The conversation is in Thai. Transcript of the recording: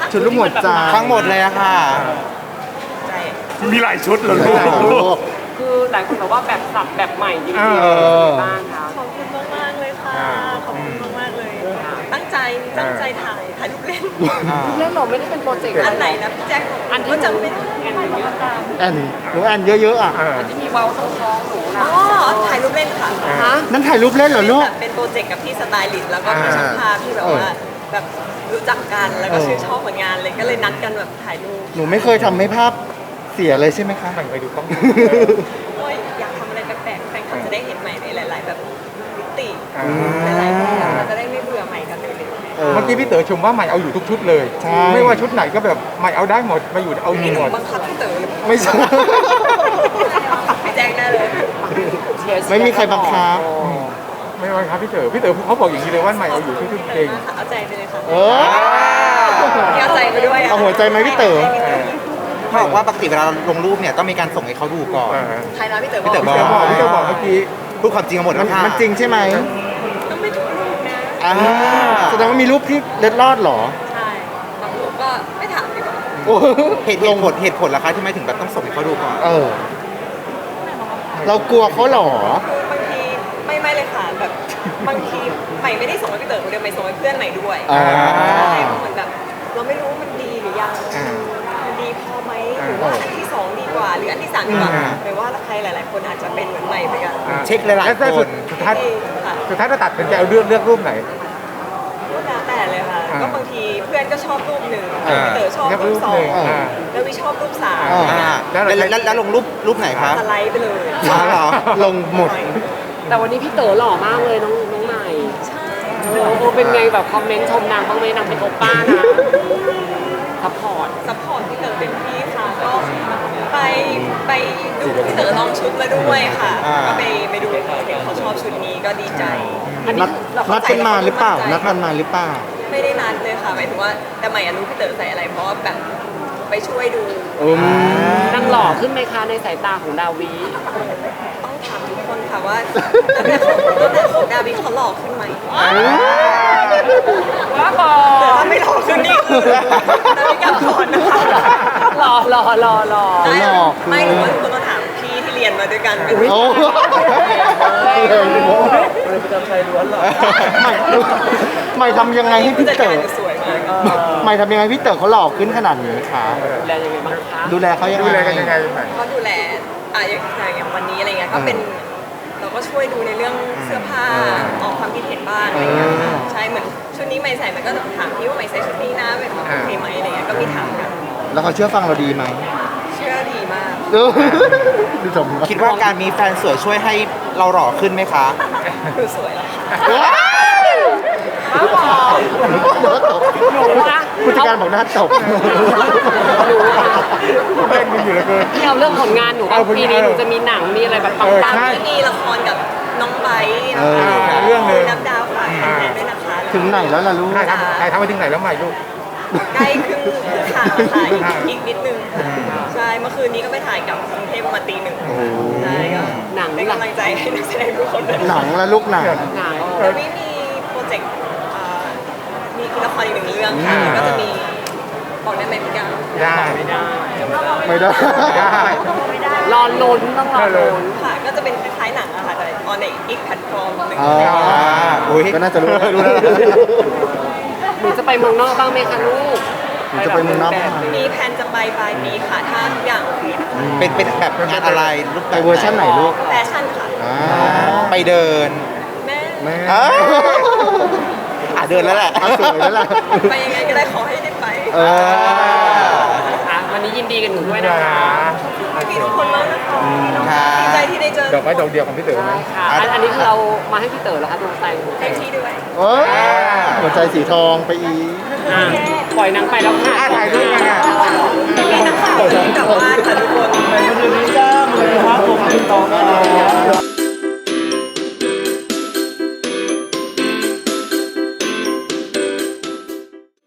ชุดลูกหัวใจทั้งหมดเลยอะค่ะใช่มีหลายชุดเลยลูกคือหลายคนบอกว่าแบบสับแบบใหม่จริงเออบ้างครับขอบคุณมากๆเลยค่ะ ขอบคุณมากๆเลย ตั้งใจถ่ายรูปเล่นเรื่องเราไม่ได้เป็นโปรเจกต์อันไหนนะพี่แจ็คอันที่ก็จำไม่แอได้นเยอะตามแอนหนูแอนเยอะๆอ่ะอันที่มีเว้าต้องท้องหนูนะอ๋อถ่ายรูปเล่นค่ะฮะนั่นถ่ายรูปเล่นเหรอลูกแบบเป็นโปรเจกต์กับพี่สไตลิสต์แล้วก็พี่ช่างภาพที่แบบว่าแบบรู้จักกันแล้วก็ชื่นชอบผลงานเลยก็เลยนัดกันแบบถ่ายรูปหนูไม่เคยทำให้ภาพเสียเลยใช่ไหมคะไปดูกล้องโอ้ยอยากทำอะไรแปลกๆแฟนคลับจะได้เห็นใหม่ในหลาย ๆ แบบมิติอ่าหลายๆแบบเราจะได้ไม่เบื่อใหม่กันเลยเออเมื่อกี้พี่เต๋อชมว่าใหม่เอาอยู่ทุกชุดเลยใช่ไม่ว่าชุดไหนก็แบบใหม่เอาได้หมดมาอยู่เอาอยู่หมดบังคับพี่เต๋อหรือเปล่าไม่ใช่พี่แจ็คได้เลยไม่มีใครบังคับไม่ว่าครับพี่เต๋อเขาบอกอย่างนี้เลยว่าใหม่เอาอยู่ทุกชุดจริงเอาใจไปเลยค่ะเออเอาใจไปด้วยเอาหัวใจไหมพี่เต๋อเขาบอกว่าปกติเวลาลงรูปเนี่ยต้องมีการส่งให้เขาดูก่อนใครนะพี่เต๋อพี่เต๋อพี่เต๋อบอกเมื่อกี้พูดความจริงกันหมดมัแล้นวค่ะมันจริงใช่ไหมต้องไม่ทุกรูปนะอ่าแสดงว่ามีรูปที่เล็ดลอดเหรอใช่บางรูปก็ไม่ถามดีกว่าโอ้เหตุผลล่ะคะที่ไม่ถึงแบบต้องส่งให้เขาดูก่อนเออ เรากลัวเขาเหรอคือบางทีไม่เลยค่ะแบบบางทีใหม่ไม่ได้ส่งให้พี่เต๋อคนเดียวใหม่ส่งให้เพื่อนใหม่ด้วยอ่าใช่เพราะเหมือนแบบเราไม่รู้ว่ามันดีหรือยังมันดีพอไหมหรือว่าอันที่สองดีกว่า หรืออันที่สามดีกว่าหรือว่าใครหลาย ๆ คนอาจจะเป็นเหมือนใหม่เหมือนกันเช็คหลายๆแล้วคนสุดท้ายค่ะสุดท้ายเราตัดเป็นใจเอาเลือกรูปไหนก็แล้วแต่เลยค่ะอ่าก็บางทีเพื่อนก็ชอบรูปหนึ่งอ่าพี่เต๋อชอบเลือกรูรูปปสอหงนึ่งแล้ววิชอบรูปสามอ่าแล้วลงรูปไหนคะสไลด์ไปเลยอ๋อเหรอลงหมดแต่วันนี้พี่เต๋อหล่อมากเลยน้องใหม่ใช่โอ้เป็นไงแบบคอมเมนต์ชมนางบ้างไหมนางเป็นโอป้านะซัพพอร์ตซัพพอร์ตพี่เต๋อเป็นพี่ค่ะก็ไปดูพี่เต๋อลองชุดมาด้วยค่ะอ่าก็ไปดูเขาชอบชุดนี้ก็ดีใจอันนันี้ดเรานัดกันมาหรือเปล่า นัดกันมาหรือเปล่าไม่ได้นัดเลยค่ะหมายถึงว่าแต่ใหม่อะรู้พี่เต๋อใส่อะไรเพราะว่าแบบไปช่วยดูนางหล่อขึ้นไหมคะในสายตาของดาวีต้องถามทุกคนค่ะว่าตั้งแต่ของดาวิเขาหล่อขึ้นไหมว้าบอแต่ถ้าไม่หล่อขึ้นนี่คือดาวิกลับก่อนนะคะหล่อหล่อไม่หรือว่าทุกคนมาถามพี่ที่เรียนมาด้วยกันเป็นโอ้ ไม่ทำยังไงให้พี่จัดเต๋การอสวยมากไม่ทำยังไงพี่เต๋อเขาหล่อขึ้นขนาดนี้คะดูแลยังไงบ้างคะดูแลเขายังดูแลกันไงยังไงใหม่ก็ดูแลอย่างวันนี้อะไรเงี้ยก็เป็นเราก็ช่วยดูในเรื่องเสื้อผ้าออกความคิดเห็นบ้างอะไรเงี้ยค่ะใช่เหมือนชุดนี้ใหม่ใส่มันก็ถามพี่ว่าใหม่ใส่ชุดนี้นะเป็นโอเคไหมอะไรเงี้ยก็มีถามกันแล้วเขาเชื่อฟังเราดีไหมเชื่อดีมากดูสมคิดว่าการมีแฟนสวยช่วยให้เราหล่อขึ้นไหมคะคือสวยแล้วค่ะว้าบอหนูนะผู้จัดการบอกหน้าตบเล่นกันอยู่เหลือเกินที่เอาเรื่องผลงานหนูว่าปีนี้หนูจะมีหนังมีอะไรแบบปังใช่ก็มีละครกับน้องไบร์ทเออเรื่องหนึ่งน้ำดาวฝากแฟนๆด้วยนะคะถึงไหนแล้วล่ะลูกถ่ายทำไปถึงไหนแล้วใหม่ลูกใกล้ครึ่งข่าวค่ะอีกนิดนึงใช่เมื่อคืนนี้ก็ไปถ่ายกับกรุงเทพประมาณตีหนึ่งใช่ก็ๆหนังเป็นหลังกำลังใจให้นักแสดงทุกคนด้วยหนังและลูกหนังหนังแล้วมีโปรเจกต์มีละครอีกหนึ่งเรื่องค่ะแล้วก็จะมีบอกได้ไหมพี่ก้าวได้ไม่ได้ไม่ได้ได้รอลุ้นต้องรอลุ้นค่ะก็จะเป็นคล้ายๆหนังอะค่ะแต่ออนในอีกแพลตฟอร์มหนึ่งอ๋ออุ๊ยก็น่าจะรู้รู้แล้วหนูจะไปเมืองนอกบ้างไหมคะลูกหนูจะไปเมืองนอกบ้างไหมมีแผนจะไปปลายปีค่ะถ้าทุกอย่างโอเคเป็นแบบงานอะไรรูปไปเวอร์ชันไหนลูกแฟชั่นค่ะอ่าไปเดินแม่แม่อ้าวเดินแล้วแหละอ่ะสวยแล้วล่ะไปยังไงก็ได้ขอให้ได้ไปเอออ่ะวันนี้ยินดีกับหนูด้วยนะคะมีทุกคนมากนะคะค่ะดีใจที่ได้เจอดอกไม้ดอกเดียวของพี่เต๋อไหมค่ะอันนี้คือเรามาให้พี่เต๋อแล้วคะดวงใจหนูเต็มที่ด้วยโอ้ยหัวใจสีทองไปอีกอ่ะปล่อยนางไปแล้วค่ะถ่ายรูปกันอ่ะมีนักข่าวที่กลับบ้านค่ะทุกคน